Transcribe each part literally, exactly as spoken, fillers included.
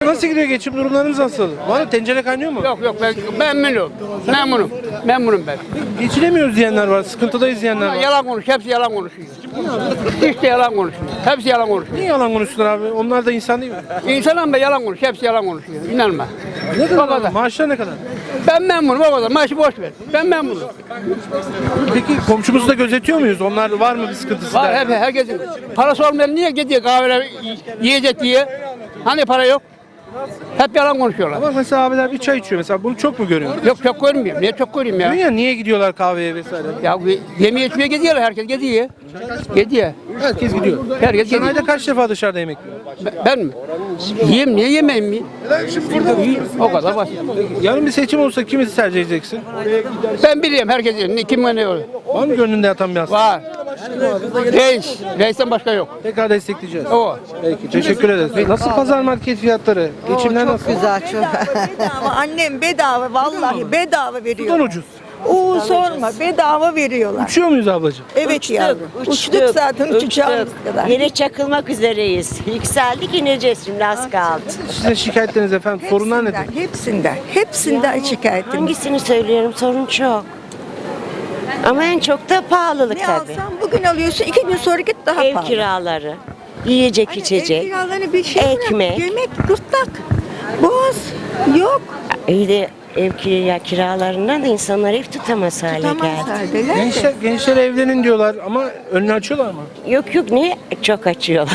nasıl gidiyor? Geçim durumlarınız nasıl? Var mı? Tencere kaynıyor mu? Yok yok ben memnunum. Memnunum. Memnunum ben. Geçinemiyoruz diyenler var. Sıkıntıdayız diyenler Ama var. yalan konuş. Hepsi yalan konuşuyor. Hiç de yalan konuşuyor. Hepsi yalan konuşuyor. Niye yalan konuştular abi? Onlar da insan değil mi? İnsan ama yalan konuşuyor. Hepsi yalan konuşuyor. İnanma. Ne O kadar? kadar. abi? Maaşlar ne kadar? Ben memnunum o kadar. Maaşı boş ver. Ben memnunum. Peki komşumuzu da gözetiyor muyuz? Onlar var mı bir sıkıntısı? Var der? hep herkesin. Parası olmayan niye gidiyor kahvede yiyecek diye? Hani para yok? Hep yalan konuşuyorlar. Ama mesela abiler bir çay içiyor mesela. Bunu çok mu görüyorsun? Yok çok görmüyorum. Niye çok göreyim ya? Diyor ya niye gidiyorlar kahveye vesaire? Ya yemeğe içmeye gidiyorlar. Herkes gidiyor. Gidiyor. Herkes gidiyor. Herkes Sen gidiyor. ayda kaç defa dışarıda yemek yiyorsun? Ben, ben mi? Yiyeyim niye yemeyeyim mi? Yiyeyim. O kadar basit. Yarın bir seçim olsa kimi tercih edeceksin? Ben biliyorum herkesin kim ne oluyor. Var mı gönlünde yatan bir aslında? Var. Reis. Reisten başka yok. Tekrar destekleyeceğiz. O. Peki teşekkür ederiz. Nasıl pazar market fiyatları? Geçimler Çok nasıl? güzel çok. Bedava annem bedava vallahi bedava veriyor. Sudan ucuz. Oo sorma bedava veriyorlar. Uçuyor muyuz ablacığım? Evet Uçtuk, yavrum. uçtuk, Uçtuk zaten uçacağımız uçtuk. kadar. Yine çakılmak üzereyiz. Yükseldik ineceğiz şimdi az kaldı. Sizin şikayetleriniz efendim, sorunlar nedir? Hepsinden, hepsinden, hepsinden şikayetim. Hangisini söylüyorum sorun çok. Ama en çok da pahalılık Ne tabii. alsan bugün alıyorsun, iki gün sonra git daha Ev pahalı. kiraları, yiyecek Hani Ev içecek. kiralarını bir şey bırak, ekmek. yemek, gırtlak, boğaz yok. İyi de ev kira, kiralarından da insanlar ev tutamaz hale Tutamaz geldi. haldeler de. Gençler, gençler evlenin diyorlar ama önünü açıyorlar mı? Yok yok niye? Çok açıyorlar.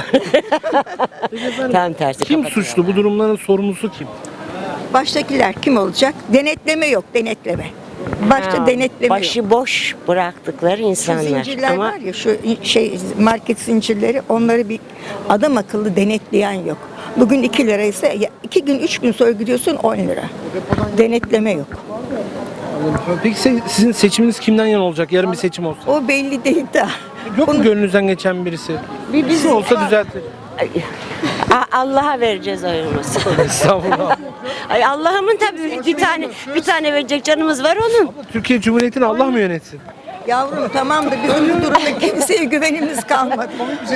Tam tersi. Kim kapatıyorlar. suçlu? Bu durumların sorumlusu kim? Baştakiler kim olacak? Denetleme yok, denetleme. Başta Ha, denetleme Başı yok. boş bıraktıkları Şu insanlar. zincirler Ama var ya şu şey market zincirleri onları bir adam akıllı denetleyen yok. Bugün iki lira ise ya iki gün üç gün sonra gidiyorsun on lira. Denetleme yok. Peki se- sizin seçiminiz kimden yana olacak? Yarın bir seçim olsa. O belli değil de. Yok mu gönlünüzden geçen birisi? Bir bizim- Şu olsa düzeltir. A- Allah'a vereceğiz oyumuzu. Estağfurullah. Ay Allah'ımın tabii bir tane bir tane verecek canımız var onun. Türkiye Cumhuriyeti'ni Allah mı yönetsin? Yavrum tamam da bizim bu durumda kimseye güvenimiz kalmadı.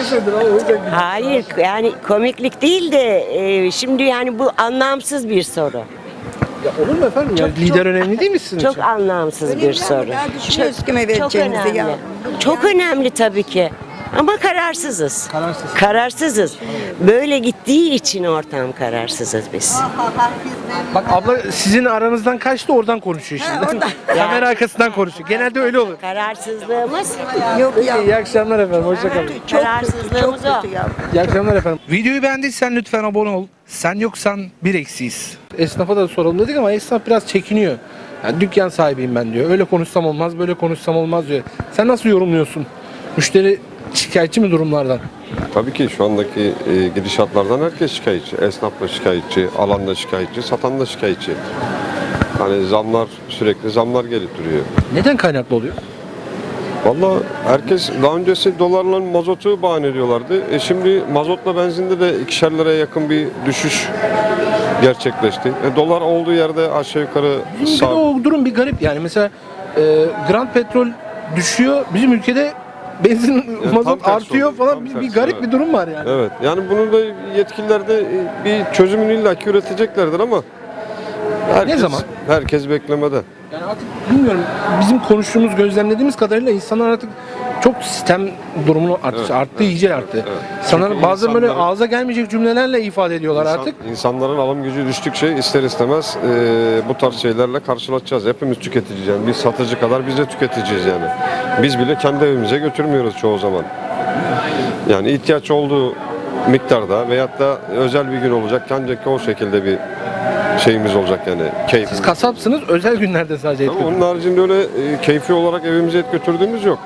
Hayır yani komiklik değil de e, şimdi yani bu anlamsız bir soru. Ya olur mu efendim? Ya lider önemli değil mi sizin Çok için? anlamsız Önemli bir ama soru. ya düşünüyoruz kime Çok vereceğimizi önemli. yavrum. Çok önemli tabii ki. Ama kararsızız. Kararsız. Kararsızız. Böyle gittiği için ortam kararsızız biz. Bak abla sizin aranızdan kaçtı oradan konuşuyor şimdi. Kamera arkasından konuşuyor. Genelde öyle olur. Kararsızlığımız, Yok ya. İyi akşamlar efendim. Hoşçakalın. Çok kötü, çok kararsızlığımız o. kötü yavrum. İyi akşamlar efendim. Videoyu beğendiysen lütfen abone ol. Sen yoksan bir eksiyiz. Esnafa da soralım dedik ama esnaf biraz çekiniyor. Yani dükkan sahibiyim ben diyor. Öyle konuşsam olmaz, böyle konuşsam olmaz diyor. Sen nasıl yorumluyorsun? Müşteri şikayetçi mi durumlardan? Tabii ki şu andaki e, gidişatlardan herkes şikayetçi. Esnaf da şikayetçi, alan da şikayetçi, satan da şikayetçi. Hani zamlar, sürekli zamlar gelip duruyor. Neden kaynaklı oluyor? Vallahi herkes daha öncesi dolarla mazotu bahane ediyorlardı. E şimdi mazotla benzinde de ikişer liraya yakın bir düşüş gerçekleşti. E dolar olduğu yerde aşağı yukarı Bizim ülkede sağ... o durum bir garip yani. Mesela e, Grand Petrol düşüyor. Bizim ülkede benzin, tam mazot tersi artıyor oluyor, falan. tam Bir, bir tersi, garip evet. bir durum var yani. Evet. Yani bunu da yetkililer de e, bir çözümünü illaki üreteceklerdir ama herkes, Ne zaman? Herkes beklemede. Yani artık bilmiyorum bizim konuştuğumuz, gözlemlediğimiz kadarıyla insanlar artık çok sistem durumunu arttı, Evet, arttı evet, iyice arttı. evet. İnsanlar Çünkü bazen böyle insanların- ağza gelmeyecek cümlelerle ifade ediyorlar İnsan- artık. İnsanların alım gücü düştükçe ister istemez e, bu tarz şeylerle karşılaşacağız. Hepimiz tüketiciyiz yani. Biz satıcı kadar biz de tüketiciyiz yani. Biz bile kendi evimize götürmüyoruz çoğu zaman. Yani ihtiyaç olduğu miktarda veyahut da özel bir gün olacak. Ancak o şekilde bir şeyimiz olacak yani. Keyfimiz. Siz kasapsınız, özel günlerde sadece et Ama onun götürüyorsunuz. haricinde öyle e, keyfi olarak evimize et götürdüğümüz yok.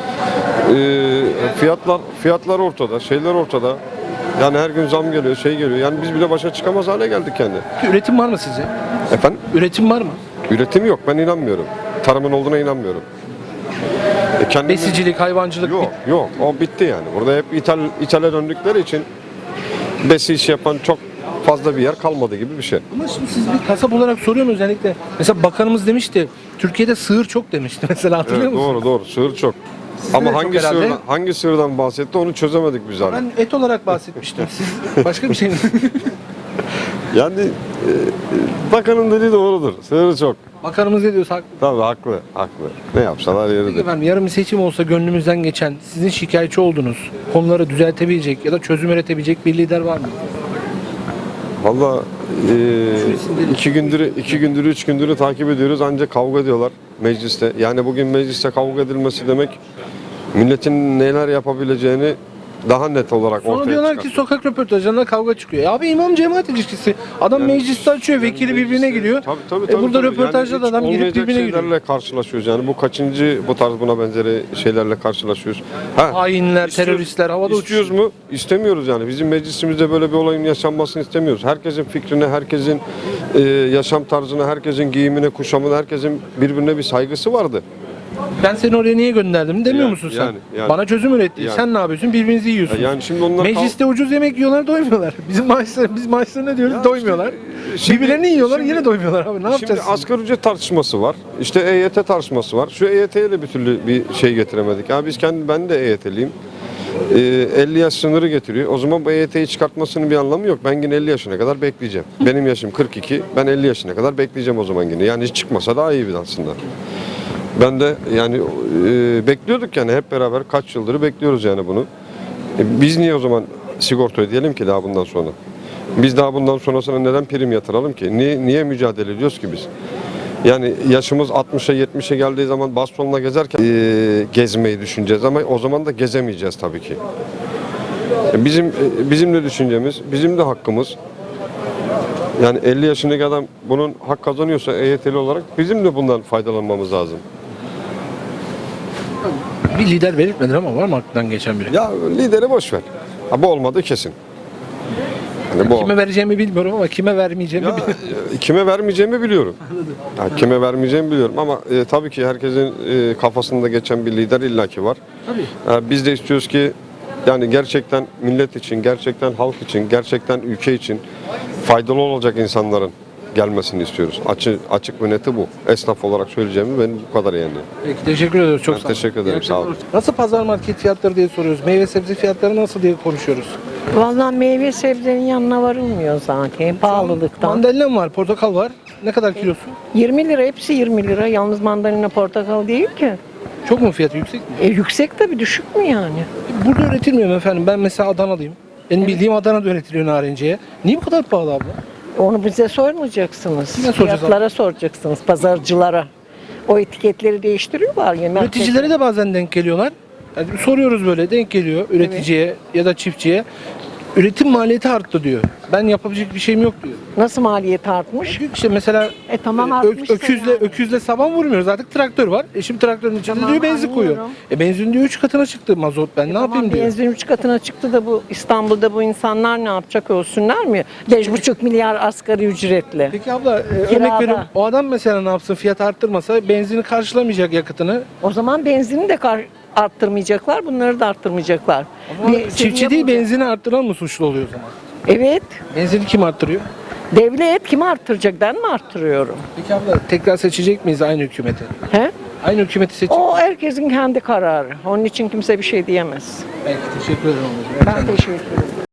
E, fiyatlar fiyatlar ortada, şeyler ortada. Yani her gün zam geliyor, şey geliyor. Yani biz bile başa çıkamaz hale geldik yani. Üretim var mı sizce? Efendim? Üretim var mı? Üretim yok. Ben inanmıyorum. Tarımın olduğuna inanmıyorum. E kendimiz- Besicilik, hayvancılık Yok, yok. O bitti yani. Burada hep ithal, ithale döndükleri için besi iş yapan çok fazla bir yer kalmadı gibi bir şey. Ama şimdi siz bir kasap olarak soruyorum özellikle. Mesela bakanımız demişti, Türkiye'de sığır çok demişti mesela hatırlıyor Evet, musun? doğru doğru. Sığır çok. Sizde de Ama çok hangi herhalde. sığırdan, hangi sığırdan bahsetti onu çözemedik biz hala. Ben et olarak bahsetmiştim. Siz başka bir şey mi? Yani e, bakanın dediği doğrudur. Sınırı çok. Bakanımız ne diyorsa haklı. Tabii haklı, haklı. Ne yapsalar Peki yeridir. efendim yarın bir seçim olsa gönlümüzden geçen, sizin şikayetçi olduğunuz, konuları düzeltebilecek ya da çözüm üretebilecek bir lider var mı? Valla e, iki gündür, iki gündür, üç gündür takip ediyoruz ancak kavga ediyorlar mecliste. Yani bugün mecliste kavga edilmesi demek milletin neler yapabileceğini daha net olarak Sonra ortaya diyorlar çıkar. ki sokak röportajlarında kavga çıkıyor. Ya abi imam cemaat ilişkisi. Adam Yani mecliste açıyor, yani vekili mecliste- birbirine giriyor. Tabii, tabii, E tabii, burada tabii. röportajda Yani da hiç adam girip olmayacak birbirine giriyor. şeylerle karşılaşıyoruz. Yani bu kaçıncı bu tarz buna benzeri şeylerle karşılaşıyoruz. Ha, Hainler, istiyoruz- teröristler havada İstiyoruz uçuyor. mu? İstemiyoruz yani. Bizim meclisimizde böyle bir olayın yaşanmasını istemiyoruz. Herkesin fikrine, herkesin e, yaşam tarzına, herkesin giyimine, kuşamına, herkesin birbirine bir saygısı vardı. Ben seni oraya niye gönderdim demiyor Yani, musun sen? yani, yani. Bana çözüm üretti. Yani. Sen ne yapıyorsun? Birbirinizi yiyorsunuz. Yani şimdi onlar Mecliste ucuz yemek yiyorlar, doymuyorlar. Bizim maaşlar, biz maaşlar ne diyoruz? Ya doymuyorlar. işte, şimdi- Birbirlerini yiyorlar, şimdi- yine doymuyorlar abi. Ne yapacağız? Şimdi asgari ücret tartışması var. İşte E Y T tartışması var. Şu E Y T'ye de bir türlü bir şey getiremedik. Ya biz kendi ben de E Y T'liyim. Ee, elli yaş sınırı getiriyor. O zaman bu E Y T'yi çıkartmasının bir anlamı yok. Ben yine elli yaşına kadar bekleyeceğim. Benim yaşım kırk iki. Ben elli yaşına kadar bekleyeceğim o zaman yine. Yani hiç çıkmasa daha iyi bir aslında. Ben de yani e, bekliyorduk yani hep beraber kaç yıldır bekliyoruz yani bunu. E, biz niye o zaman sigorta ödeyelim ki daha bundan sonra? Biz daha bundan sonrasına neden prim yatıralım ki? Niye, niye mücadele ediyoruz ki biz? Yani yaşımız altmışa yetmişe geldiği zaman bastonla gezerken e, gezmeyi düşüneceğiz ama o zaman da gezemeyeceğiz tabii ki. E, Bizim e, bizim de düşüncemiz, bizim de hakkımız. Yani elli yaşındaki adam bunun hak kazanıyorsa E Y T'li olarak bizim de bundan faydalanmamız lazım. Bir lider belirtmedin ama var mı aklından geçen biri? Ya lideri boş ver. Ha, bu olmadı kesin. Yani bu Kime vereceğimi bilmiyorum ama kime vermeyeceğimi Ya, biliyorum. e, kime vermeyeceğimi biliyorum. Ya, kime vermeyeceğimi biliyorum ama e, tabii ki herkesin e, kafasında geçen bir lider illaki var. Tabii. Ya, biz de istiyoruz ki yani gerçekten millet için, gerçekten halk için, gerçekten ülke için faydalı olacak insanların gelmesini istiyoruz. Açık, açık ve neti bu. Esnaf olarak söyleyeceğim benim bu kadar yani. Peki teşekkür ediyoruz. Çok Ben sağ olun. teşekkür ederim, İyi sağ olun. akşamlar. Nasıl pazar market fiyatları diye soruyoruz. Meyve sebze fiyatları nasıl diye konuşuyoruz. Vallahi meyve sebzenin yanına varılmıyor zaten pahalılıktan. Mandalina var, portakal var. Ne kadar kilosu? yirmi lira, hepsi yirmi lira. Yalnız mandalina portakal değil ki. Çok mu fiyatı yüksek mi? E, yüksek tabii, düşük mü yani? Burada üretilmiyor mu efendim? Ben mesela Adanalıyım. Benim bildiğim Adana'da üretiliyor narenciye. Niye bu kadar pahalı abla? Onu bize sormayacaksınız. Kime soracağız Fiyatlara soracaksınız, pazarcılara. O etiketleri değiştiriyorlar ya. Üreticilere de bazen denk geliyorlar. Yani soruyoruz böyle denk geliyor üreticiye ya da çiftçiye. Üretim maliyeti arttı diyor. Ben yapabilecek bir şeyim yok diyor. Nasıl maliyet artmış? Çünkü işte mesela E tamam, ö- artmışsa öküzle yani. öküzle saban vurmuyoruz artık traktör var. E şimdi traktörün içinde Tamam, diyor benzin koyuyor. anlıyorum. E benzin diyor üç katına çıktı mazot ben ne Tamam, yapayım diyor. benzin üç katına çıktı da bu İstanbul'da bu insanlar ne yapacak, ölsünler mi? beş buçuk milyar asgari ücretle. Peki abla e, örnek Kirada. veriyorum o adam mesela ne yapsın fiyat arttırmasa benzini karşılamayacak yakıtını. O zaman benzini de kar- arttırmayacaklar, bunları da arttırmayacaklar. Ama Bir çiftçi seviye değil bulacak. benzini arttıran mı suçlu oluyor o zaman? Evet. Benzini kim arttırıyor? Devlet kimi arttıracak? Ben mi arttırıyorum? Peki abla tekrar seçecek miyiz aynı hükümeti? He? Aynı hükümeti seçecek. O herkesin kendi kararı. Onun için kimse bir şey diyemez. Belki teşekkür ederim. ablacığım. Ben teşekkür ederim.